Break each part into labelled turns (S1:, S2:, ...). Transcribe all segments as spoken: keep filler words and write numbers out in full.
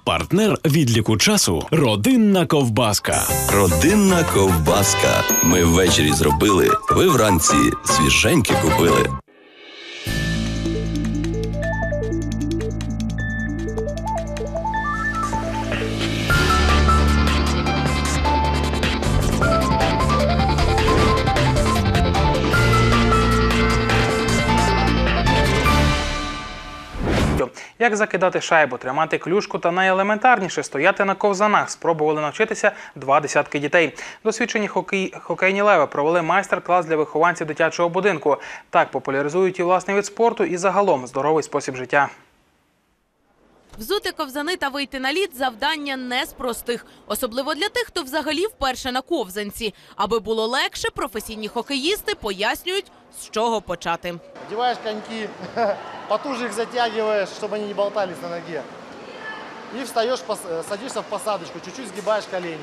S1: Партнер відліку часу – родинна ковбаска.
S2: Родинна ковбаска. Ми ввечері зробили, ви вранці свіженькі купили.
S3: Як закидати шайбу, тримати клюшку та найелементарніше – стояти на ковзанах спробували навчитися два десятки дітей. Досвідчені хокей... хокейні леви провели майстер-клас для вихованців дитячого будинку. Так популяризують і власний вид спорту, і загалом здоровий спосіб життя.
S4: Взути ковзани та вийти на лід – завдання не з простих. Особливо для тих, хто взагалі вперше на ковзанці. Аби було легше, професійні хокеїсти пояснюють, з чого почати.
S5: Одеваешь коньки, потуже их затягиваешь, чтобы они не болтались на ноге. И встаешь, садишься в посадочку, чуть-чуть сгибаешь колени.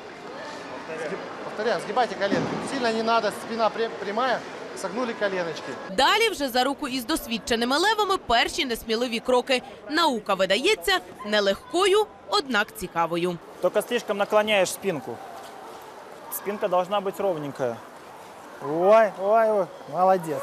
S5: Повторяем, сгибайте коленки. Сильно не надо, спина прямая, согнули коленочки.
S4: Далі вже за руку із досвідченими левами перші несміливі кроки. Наука видається нелегкою, однак цікавою.
S6: Только слишком наклоняешь спинку. Спинка должна быть ровненькая. Ой, ой, ой, молодец.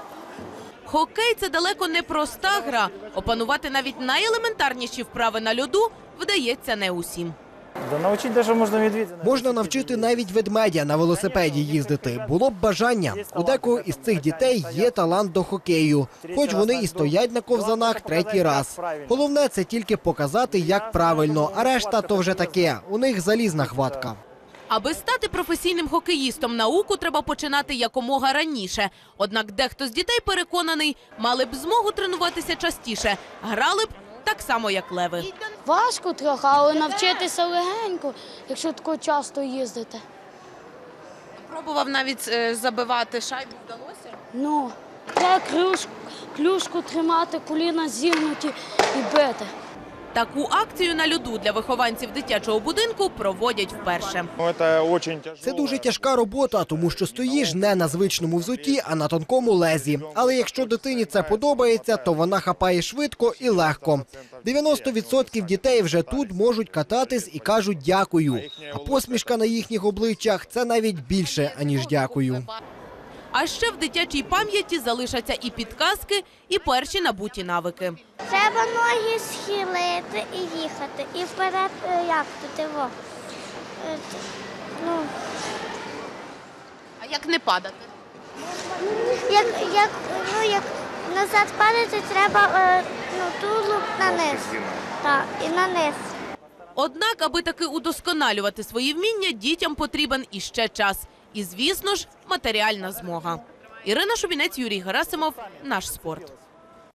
S4: Хокей – це далеко не проста гра. Опанувати навіть найелементарніші вправи на льоду вдається не усім.
S6: Да навчити даже можна медведя.
S7: Можна навчити навіть ведмедя на велосипеді їздити. Було б бажання. У декого із цих дітей є талант до хокею. Хоч вони і стоять на ковзанах третій раз. Головне – це тільки показати, як правильно. А решта – то вже таке. У них залізна хватка.
S4: Аби стати професійним хокеїстом, науку треба починати якомога раніше. Однак дехто з дітей переконаний, мали б змогу тренуватися частіше. Грали б так само, як леви.
S8: Важко трохи, але навчитися легенько, якщо тако часто їздити.
S4: Пробував навіть забивати шайбу, вдалося?
S8: Ну, треба клюшку, клюшку тримати, коліна зігнуті і бити.
S4: Таку акцію на льоду для вихованців дитячого будинку проводять вперше.
S7: Це дуже тяжка робота, тому що стоїш не на звичному взутті, а на тонкому лезі. Але якщо дитині це подобається, то вона хапає швидко і легко. дев'яносто відсотків дітей вже тут можуть кататись і кажуть «дякую». А посмішка на їхніх обличчях – це навіть більше, аніж «дякую».
S4: А ще в дитячій пам'яті залишаться і підказки, і перші набуті навики.
S9: Треба ноги схилити і їхати. І вперед, як тут його? Ну.
S4: А як не падати?
S9: Як, як, ну, як назад падати, треба ну, тулуб на низ. Так, і на низ.
S4: Однак, аби таки удосконалювати свої вміння, дітям потрібен іще час. І, звісно ж, матеріальна змога. Ірина Шубінець, Юрій Герасимов, «Наш спорт».